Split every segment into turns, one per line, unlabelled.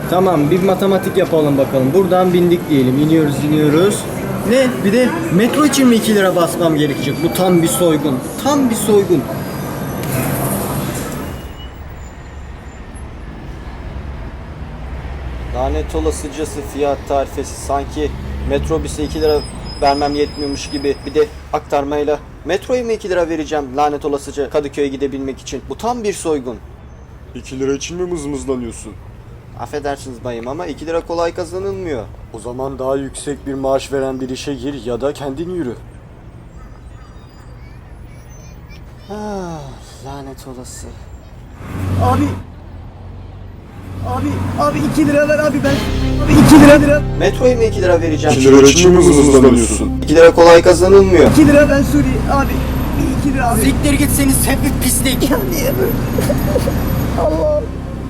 Tamam, bir matematik yapalım bakalım. Buradan bindik diyelim. İniyoruz. Ne? Bir de metro için mi 2 lira basmam gerekecek? Bu tam bir soygun. Tam bir soygun. Lanet olasıcası fiyat tarifesi. Sanki metrobüse 2 lira vermem yetmiyormuş gibi. Bir de aktarmayla metroya mı 2 lira vereceğim lanet olasıca Kadıköy'e gidebilmek için? Bu tam bir soygun.
2 lira için mi mızmızlanıyorsun?
Affedersiniz bayım ama 2 lira kolay kazanılmıyor.
O zaman daha yüksek bir maaş veren bir işe gir ya da kendin yürü.
Lanet olası. Abi 2 lira ver abi ben. Abi 2 lira. Metroya mı 2 lira vereceğim?
2 lira için mi mızmızlanıyorsun?
2 lira kolay kazanılmıyor.
2 lira ben Suri abi. 2 lira abi.
Siktir gitseniz hep bir pislik.
Ya niye böyle? Allah.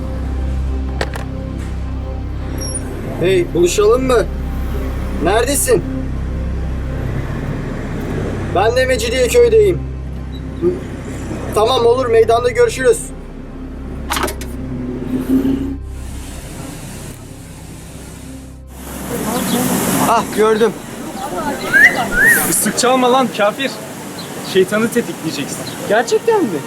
Hey, buluşalım mı? Neredesin? Ben de Mecidiyeköy'deyim. Tamam olur, meydanda görüşürüz. Ah, gördüm.
Islık çalma lan kafir. Şeytanı tetikleyeceksin.
Gerçekten mi?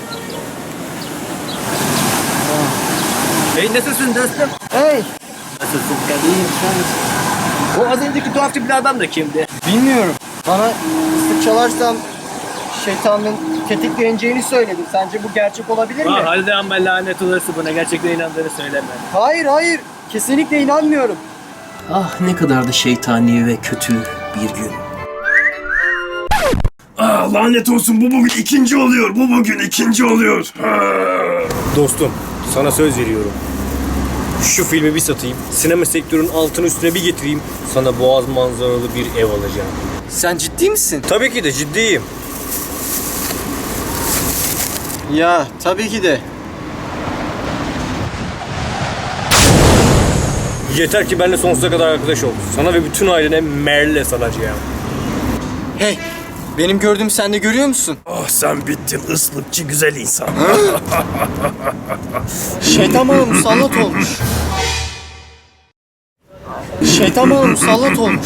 Hey nasılsın dostum?
Hey,
Nasılsın kardeşim? O az önceki tuhaf tipli adam da kimdi?
bilmiyorum. Bana ıslık çalarsam şeytanın tetikleneceğini söyledi. Sence bu gerçek olabilir mi?
Halde amma lanet olası buna gerçekten inandığını söyleme.
Hayır. Kesinlikle inanmıyorum.
Ah ne kadar da şeytani ve kötü bir gün.
Lanet olsun bu bugün ikinci oluyor. Bu bugün ikinci oluyor.
Dostum, sana söz veriyorum. Şu filmi bir satayım, sinema sektörünün altını üstüne bir getireyim, sana boğaz manzaralı bir ev alacağım.
Sen ciddi misin?
Tabii ki de ciddiyim.
Ya tabii ki de.
Yeter ki benimle sonsuza kadar arkadaş ol. Sana ve bütün ailene Merle salacağım.
Hey, benim gördüğümü sen de görüyor musun?
Ah sen bittin ıslıkçı güzel insan.
Şeytan bana musallat olmuş. Şeytan bana musallat olmuş.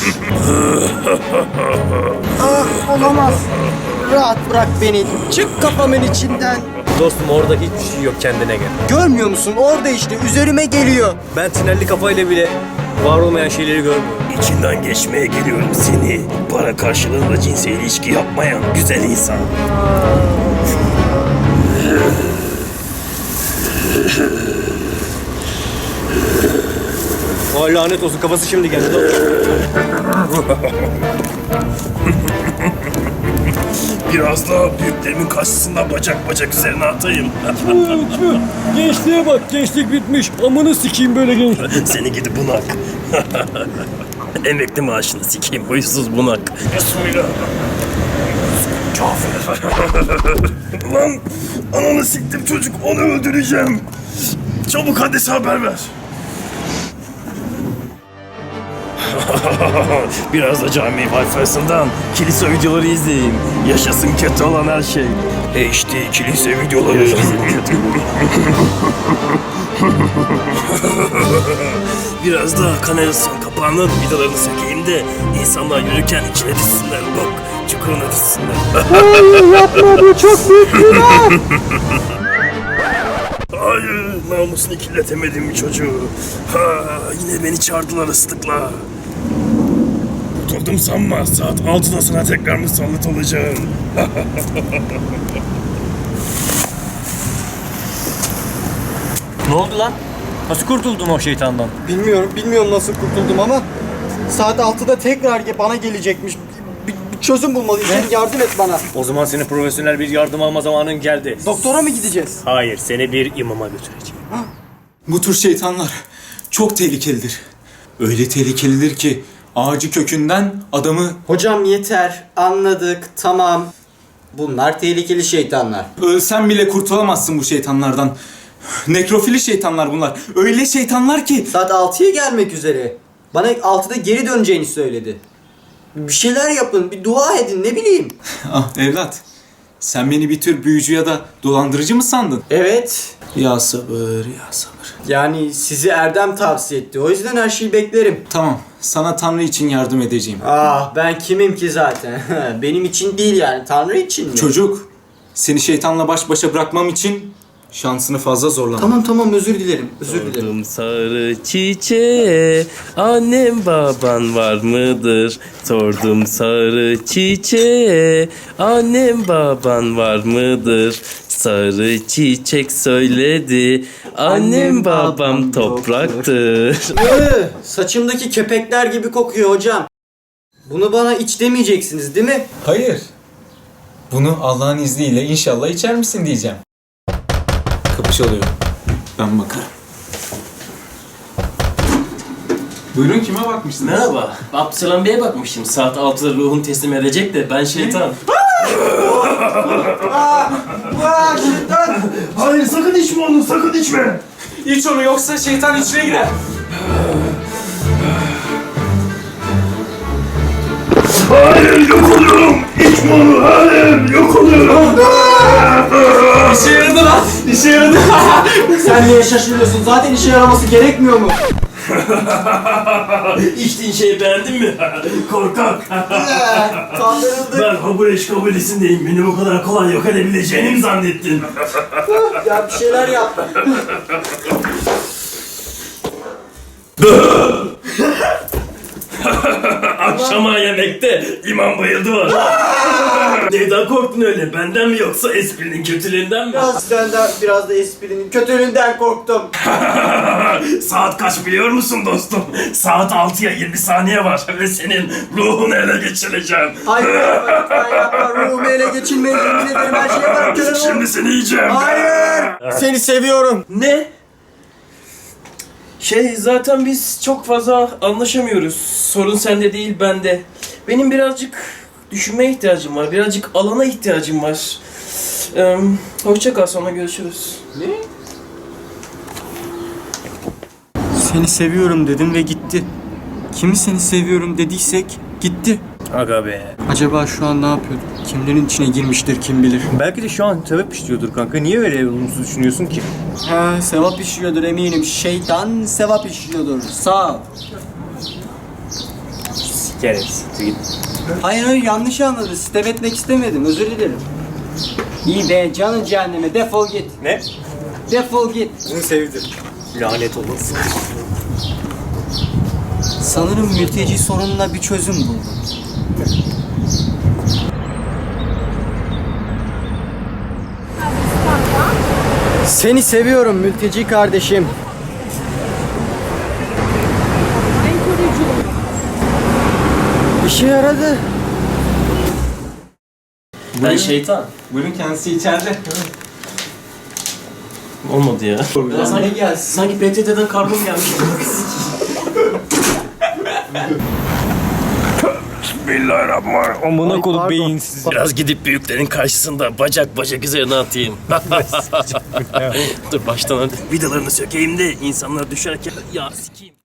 Olamaz. Rahat bırak beni. Çık kafamın içinden.
Dostum orada hiçbir şey yok, kendine gel.
Görmüyor musun? Orada işte üzerime geliyor.
Ben tünelli kafayla bile var olmayan şeyleri görmüyorum.
İçinden geçmeye geliyorum seni. Para karşılığında cinsel ilişki yapmayan güzel insan.
Vay lanet olsun, kafası şimdi geldi.
Biraz daha büyüklerimin karşısında bacak bacak üzerine atayım.
Gençliğe bak, gençlik bitmiş. Amını sikeyim böyle genç.
Seni gidi bunak. Emekli maaşını sikeyim huysuz bunak. Bismillah. Kafir. Lan ananı siktim çocuk, onu öldüreceğim. Çabuk Hades'e haber ver. Biraz da cami Wi-Fi'sinden kilise videoları izleyin. Yaşasın kötü olan her şey. HD kilise videoları. Biraz da kanalizasyon kapağının vidalarını sökeyim de insanlar yürürken içine düşsünler. Bak çukuruna düşsünler.
Yapma, bu çok büyük günah.
Hayır, namusunu kirletemedim bir çocuğu. Yine beni çağırdılar ıslıkla. Oturdum sanma, saat 6'da sana tekrar musallat olacağım.
Ne oldu lan? Nasıl kurtuldun o şeytandan?
Bilmiyorum nasıl kurtuldum ama saat 6'da tekrar bana gelecekmiş. Bir çözüm bulmalıyız. Yardım et bana.
O zaman senin profesyonel bir yardım alma zamanın geldi.
Doktora mı gideceğiz?
Hayır, seni bir imama götüreceğim.
Bu tür şeytanlar çok tehlikelidir. Öyle tehlikelidir ki ağacı kökünden adamı
Hocam yeter. Anladık. Tamam. Bunlar tehlikeli şeytanlar.
ölsen bile kurtulamazsın bu şeytanlardan. Nekrofili şeytanlar bunlar. Öyle şeytanlar ki
Saat 6'ya gelmek üzere. Bana 6'da geri döneceğini söyledi. Bir şeyler yapın. Bir dua edin. Ne bileyim.
ah evlat, Sen beni bir tür büyücü ya da dolandırıcı mı sandın?
Evet.
Ya sabır, ya sabır.
Yani sizi Erdem tavsiye etti. O yüzden her şeyi beklerim.
Tamam, sana Tanrı için yardım edeceğim.
Ah ben kimim ki zaten? Benim için değil yani. Tanrı için mi?
Çocuk, seni şeytanla baş başa bırakmam için şansını fazla zorlama.
Tamam özür dilerim. Özür dilerim.
Sordum sarı çiçeğe, annem baban var mıdır? Sordum sarı çiçeğe, annem baban var mıdır? Sarı çiçek söyledi, annem babam topraktır.
Saçımdaki kepekler gibi kokuyor hocam. Bunu bana iç demeyeceksiniz değil mi?
Hayır. Bunu Allah'ın izniyle inşallah içer misin diyeceğim. Kapış oluyor. Ben bakarım. Buyurun, kime bakmışsınız?
Merhaba. Abdüselam Bey'e bakmıştım. Saat 6'da ruhunu teslim edecek de ben şeytan.
Hayır sakın içme onu, sakın içme.
İç onu, yoksa şeytan içine girer.
Hayır yok oluyorum. İçme onu, hayır yok oluyorum.
İşe yaradı lan. İşe yaradı.
Sen niye şaşırıyorsun? Zaten işe yaraması gerekmiyor mu?
İçtiğin şeyi beğendin mi? Korkak.
Kandırıldık.
Ben Habureş kabilesindeyim. Beni bu kadar kolay yok edebileceğini mi zannettin?
Ya bir şeyler yap.
Akşama yemekte imam bayıldı var. Neyden korktun öyle? Benden mi yoksa esprinin kötülüğünden mi?
Biraz da esprinin kötülüğünden korktum.
Saat kaç biliyor musun dostum? Saat 6'ya 20 saniye var ve senin ruhunu ele geçireceğim.
Hayır lütfen yapma. Ruhumu ele geçirmeye yemin ederim her şeye varım. Köle
Şimdi seni yiyeceğim.
Hayır. Seni seviyorum.
Ne? Zaten biz çok fazla anlaşamıyoruz. Sorun sende değil bende. Benim birazcık düşünmeye ihtiyacım var. Birazcık alana ihtiyacım var. Hoşça kal, sonra görüşürüz.
Seni seviyorum dedim ve gitti. Kimi seni seviyorum dediysek gitti.
Aga be.
Acaba şu an ne yapıyordu? Kimlerin içine girmiştir kim bilir.
Belki de şu an sevap işliyordur kanka. Niye öyle olumsuz düşünüyorsun ki?
Ha, sevap işliyordur eminim. Şeytan sevap işliyordur. Sağ ol.
Sikeriz. Git.
Hayır yanlış anladı. Sitem etmek istemedim. Özür dilerim. İyi be canın cehenneme. Defol git.
Ne?
Defol git.
Bunu sevdim. Lanet olası.
Sanırım mülteci sorununa bir çözüm buldum. Seni seviyorum mülteci kardeşim. İşe yaradı.
Ben şeytan.
Buyurun, kendisi içeride.
Olmadı ya.
Ne gelsin?
Sanki PTT'den kargom gelmiş.
Bismillahirrahmanirrahim.
Amına koyduğum beyinsiz.
Biraz gidip büyüklerin karşısında bacak bacak üzerine atayım. Dur baştan hadi. Vidalarını sökeyim de insanlar düşerken ya sikeyim.